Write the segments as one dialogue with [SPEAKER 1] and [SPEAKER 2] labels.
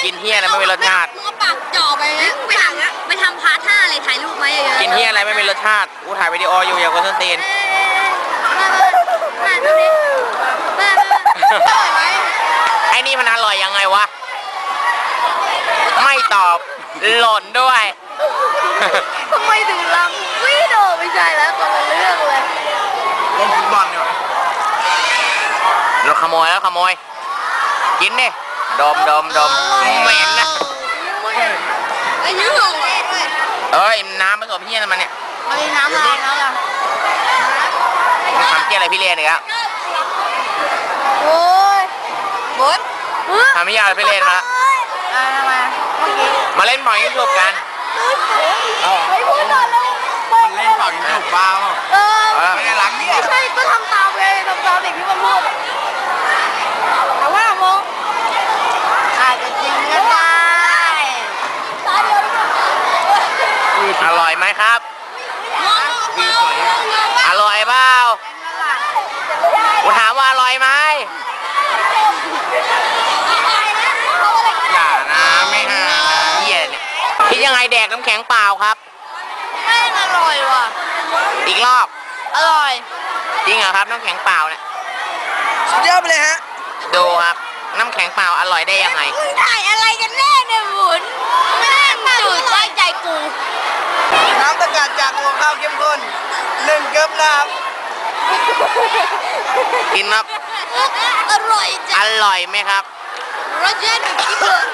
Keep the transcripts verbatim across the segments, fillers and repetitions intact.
[SPEAKER 1] กินเฮียอะไรไม่มีรสชาติ
[SPEAKER 2] มึงเอาปากจ่อไปนะไปทำไปทำพาร์ทห้าอะไรถ่ายรูปไหมเยอะๆ
[SPEAKER 1] กินเฮียอะไรไม่มีรสชาติกูถ่ายวิดีโออยู่อย่ากดส้นตีน
[SPEAKER 2] มาดูดิมาอร่อยไหม
[SPEAKER 1] ไอ้นี่มันอร่อยยังไงวะไม่ตอบหล่นด้วย
[SPEAKER 2] ทำไมถึงลำวิโดไม่ใช่แล้วคนละเรื่องเลย
[SPEAKER 3] เล่นฟุตบอลดีกว่า
[SPEAKER 1] เราขโมยแล้วขโมยกินดิดมดมดมเหม็นนะ
[SPEAKER 2] ไอ้ยืดเลย
[SPEAKER 1] เอ้ยน้ำผสมเฮียอะไรมันเนี่ย
[SPEAKER 2] เอาน้ำอะไรน้ำอะไร
[SPEAKER 1] ทำเฮียอะไรพี่เลี้ยนอีกแล้ว
[SPEAKER 2] โอ้ยบด
[SPEAKER 1] ทำเฮียอะไรพี่เลี้ยนมาแล้ว
[SPEAKER 2] อ่ามาเมื่อกี้
[SPEAKER 1] มาเล่นหมอยยุบกัน
[SPEAKER 2] ไม่พูดต่อเลย
[SPEAKER 3] มันเล่นเป่ายิงฉุบบ้าเปล่า
[SPEAKER 2] เออ
[SPEAKER 3] ไม่ได้รักเนี่ย
[SPEAKER 2] ไม่ใช่ก็ทำตามเลยทำตามเด็กที่มันพูดแต่ว่าโมอาจจะจริงก็ได้ตาเดียว
[SPEAKER 1] อร่อยไหมครับ อร่อยเปล่ากูถามว่าอร่อยไหมอย่านะไม่ฮะเหี้ยเนี่ยคิดยังไงแดกน้ำแข็งเปล่าครับ
[SPEAKER 2] แม่งอร่อยว่ะ
[SPEAKER 1] อีกรอบ
[SPEAKER 2] อร่อย
[SPEAKER 1] จริงเหรอครับน้ำแข็งเปล่าเนี่ย
[SPEAKER 3] สุดยอดไปเลยฮะ
[SPEAKER 1] ดูครับ น้ำแข็งเปล่าอร่อยได้ยังไง
[SPEAKER 2] มึงถ่ายอะไรกันแน่เนี่ยหมุนแม่งจืดไว้ใจกู
[SPEAKER 3] น้ำตะกาดจากหัวข้าวเข้มข้นหนึ่งเกิบน้
[SPEAKER 1] กินครับ
[SPEAKER 2] อร่อย
[SPEAKER 1] อ
[SPEAKER 2] จัง
[SPEAKER 1] ร่อยไหมครับ
[SPEAKER 2] รสชาติแบบที่เบิร์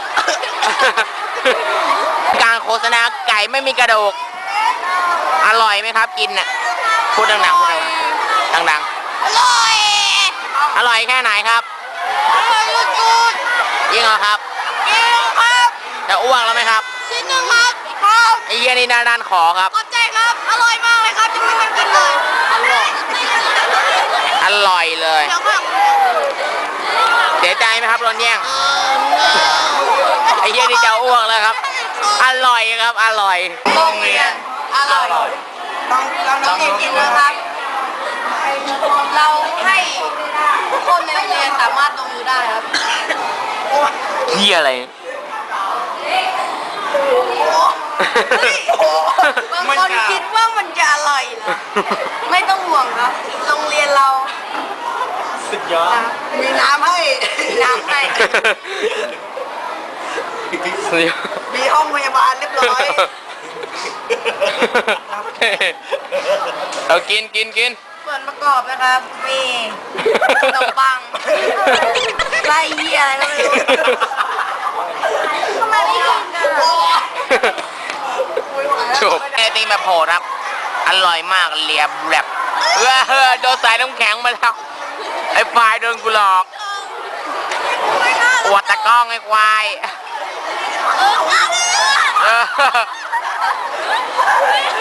[SPEAKER 1] การโฆษณาไก่ไม่มีกระดูก อร่อยไหมครับ กินน่ะพูดดังๆพูดดัง
[SPEAKER 2] อร่อย
[SPEAKER 1] ๆอร่อยแค่ไหนครับ
[SPEAKER 2] อร่อยสุด
[SPEAKER 1] จริงเหรอครับ
[SPEAKER 2] ๆจริงครับ
[SPEAKER 1] จะอ้วกแล้วไหมครับ
[SPEAKER 2] ชิ้นหนึ่งครับครับ
[SPEAKER 1] ไอ้เหี้ยนี่ด้านด้านขอครับ
[SPEAKER 2] ขอบใจครับ อร่อยมากเลยครับจะไม่ต้องกินเลยอร่อย
[SPEAKER 1] อร่อยเลย
[SPEAKER 2] เดี๋ยวข้าง
[SPEAKER 1] เสียใจไหมครับโดนแย่งไอ้เหี้ยนี่จะอ้วกแล้วครับ อร่อยครับ อร่อย
[SPEAKER 2] โรงเรียนอร่อย
[SPEAKER 3] ำต้องต้อง
[SPEAKER 2] น้
[SPEAKER 3] ต้
[SPEAKER 2] อ
[SPEAKER 3] อง ง
[SPEAKER 2] เรียนกินนะครับ เราให้ทุกคนในโรงเรียนสามารถลงมือได้ครับ
[SPEAKER 1] เหี้ยอะไร
[SPEAKER 2] บางคนคิดว่ามันจะอร่อยนะไม่ต้องห่วงครับ โรงเรียนเรา
[SPEAKER 3] สุดยอดมีน้ำให้
[SPEAKER 2] น้ำให้
[SPEAKER 3] มีห้องพยาบาลเรียบร้อย
[SPEAKER 1] เอากินกินกิน
[SPEAKER 2] ส่วนประกอบนะครับมีขนมปังไส้เหี้ยอะไรก็ไม่รู้ทำไมไม่กินกันอะ
[SPEAKER 1] จบไอติมแบบโหดครับ อร่อยมากเลียบแรบเออเออโดนสายน้ำแข็งมาแล้ว ไอ้ฝ่ายโดนกูหลอกอวดตะกล้องไอ้ควาย
[SPEAKER 2] เออ
[SPEAKER 1] เออ